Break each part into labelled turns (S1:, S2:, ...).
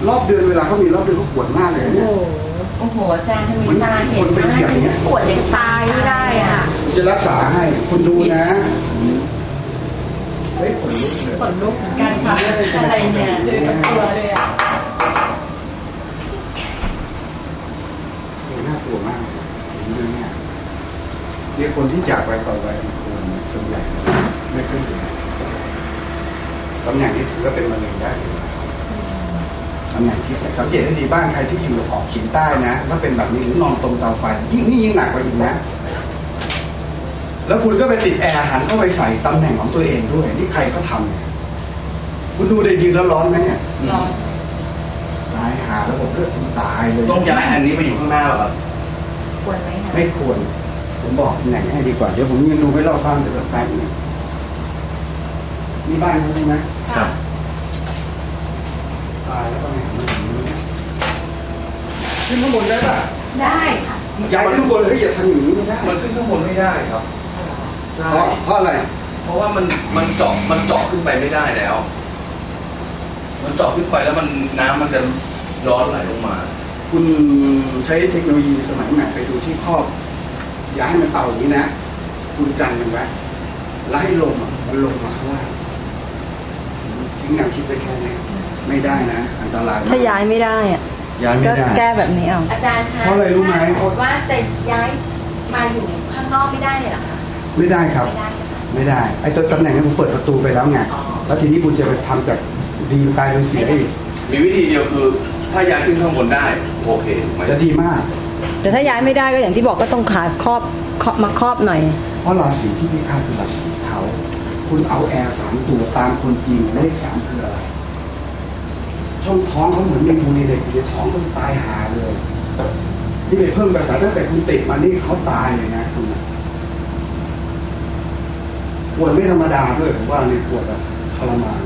S1: รอบเดือนเวลาเขามีรอบเดือนเขาปวดมากเลยเนี่ย
S2: โอ้โหอาจารย์ทำไมตาเห็นมากปวดยังตายไม่ได้อ่ะ
S1: จะรักษาให้คุณดูนะเฮ้ยขนลุกเลย
S2: ขนลุกเหมือนกันค่ะอะไรเนี่ยเจอกับตัวเลยอ่ะ
S1: น่ากลัวมากเนี่ยคนที่จากไปต่อไปคนส่วนใหญ่ไม่ค่อยดีตำแหน่งนี้ถือว่าเป็นมะเร็งได้ตำแหน่งที่สังเกตให้ดีบ้านใครที่อยู่ออกเฉียงใต้นะถ้าเป็นแบบนี้หรือนอนตรงเตาไฟยิ่งหนักกว่าอีกนะแล้วคุณก็ไปติดแอร์หันเข้าไปใส่ตำแหน่งของตัวเองด้วยนี่ใครเขาทำเนี่ยคุณดูได้ยืนแล้วร้อนไหมเนี่ย
S2: ร้อน
S1: ตายหาแล้วผมเลือดตายเลย
S3: ต้องย้ายอันนี้ไปอยู่ข้างหน้าหรอครับ
S2: ควรไหมคะ
S1: ไม่ควรผมบอกตำแหน่งให้ดีกว่าเดี๋ยวผมยังดูไม่รอบบ้านเดี๋ยวแป๊บนึงนี่บ้านเขาใช่ไหม
S3: ครับ
S1: ตายแล้วก็แหน่งมันอย่างนี้ขึ้นข้างบนได้ป่ะ
S2: ได้ค่ะ
S1: ย้ายขึ้นข้างบนเลยอย่าทำอย่างนี้ไม่ได้
S3: มันขึ้นข้างบนไม่ได้ครับ
S1: เพราะอะไร
S3: เพราะว่ามันเจาะขึ้นไปไม่ได้แล้ว มันเจาะขึ้นไปแล้วน้ำมันจะย้อนไหลลงมา
S1: คุณใช้เทคโนโลยีสมัยใหม่ไปดูที่ครอบอย่าให้มันเต่าอย่างนี้นะคุณกันมันไว้แล้วให้ลมมันลงมาข้างล่างทิ้งแนวคิดไปแค่นี้ไม่ได้นะอันตราย
S4: ถ้าย้ายไม่ได้อะ
S1: ย้ายไม่ได้
S4: แก้แบบนี้เอา
S2: อาจารย์คะ
S1: เพราะอะไรรู้ไหม
S2: สมมติว่าจะย้ายมาอยู่ข้างนอกไม่ได้เลยหรอคะ
S1: ไม่ได้ครับไม่ได้ไอ้ตัวตำแหน่งนี้ผมเปิดประตูไปแล้วไงแล้วทีนี้คุณจะไปทำจากดีกลายเป็นเสียอีก
S3: มีวิธีเดียวคือถ้าย้ายขึ้นข้างบนได้โอเค
S1: จะดีมาก
S4: แต่ถ้าย้ายไม่ได้ก็อย่างที่บอกก็ต้องขาดครอบมาครอบหน่อย
S1: เพราะราศีที่พิฆาตคือราศีเขาคุณเอาแอร์3 ตัวตามคนจีนเลข3คืออะไรช่องท้องเขาเหมือนมีมูลนิธิในท้องต้องตายหาเลยที่ไปเพิ่มภาษาตั้งแต่คุณติดมานี่เขาตายเลยนะคุณปวดไม่ธรรมดาด้วยผมว่าในปวดแบบทรมาน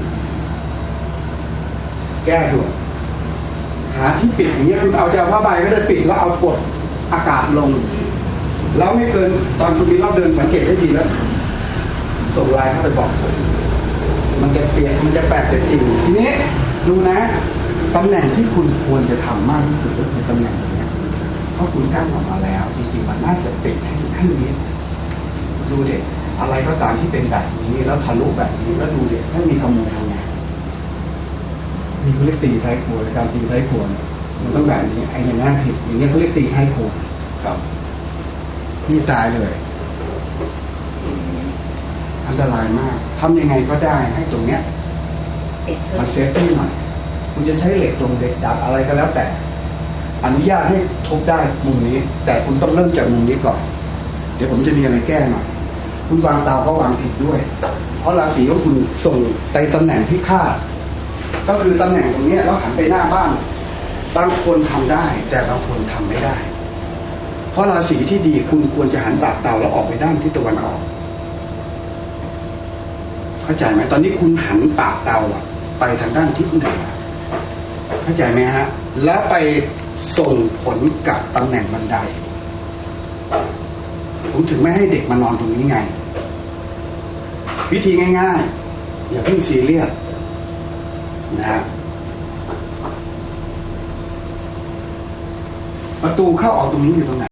S1: แก้ด่วนหาที่ปิดอย่างเงี้ยคุณเอาผ้าใบก็ได้ปิดแล้วเอากดอากาศลงแล้วไม่เกินตอนคุณมีรอบเดินสังเกตให้ดีแล้วส่งไลน์เข้าไปบอกผมมันจะเปลี่ยนมันจะแปลกแต่จริงทีนี้ดูนะตำแหน่งที่คุณควรจะทำมากที่สุดก็คือตำแหน่งนี้เพราะคุณกั้นออกมาแล้วจริงๆมันน่าจะปิดให้นี้ดูเด็กอะไรก็ตามที่เป็นแบบนี้แล้วทะลุแบบนี้แล้วดูเด็กถ้ามีขโมยทำไงมีเขาเรียกตีท้ายครัวการตีท้ายครัวมันต้องแบบนี้ไอ้อย่างนั้นผิดอย่างนี้เขาเรียกตีท้ายครัว
S3: ครับ
S1: นี่ตายเลยอันตรายมากทำยังไงก็ได้ให้ตรงเนี้ยมันเซฟตี้หน่อยคุณจะใช้เหล็กตรงเหล็กดัดอะไรก็แล้วแต่อนุญาตให้ทุบได้มุมนี้แต่คุณต้องเริ่มจากมุมนี้ก่อนเดี๋ยวผมจะมีอะไรแก้หน่อยคุณวางเตาก็วางผิดด้วยเพราะราศีของคุณส่งไปตำแหน่งที่คาดก็คือตำแหน่งตรงนี้แล้วหันไปหน้าบ้านบางคนทำได้แต่บางคนทำไม่ได้เพราะราศีที่ดีคุณควรจะหันปากเตาแล้วออกไปด้านทิศตะวันออกเข้าใจไหมตอนนี้คุณหันปากเตาไปทางด้านทิศเหนือเข้าใจไหมฮะแล้วไปส่งผลกับตำแหน่งบันไดผมถึงไม่ให้เด็กมานอนตรงนี้ไงวิธีง่ายๆอย่าเพิ่งซีเรียสนะฮะประตูเข้าออกตรงนี้อยู่ตรงไหน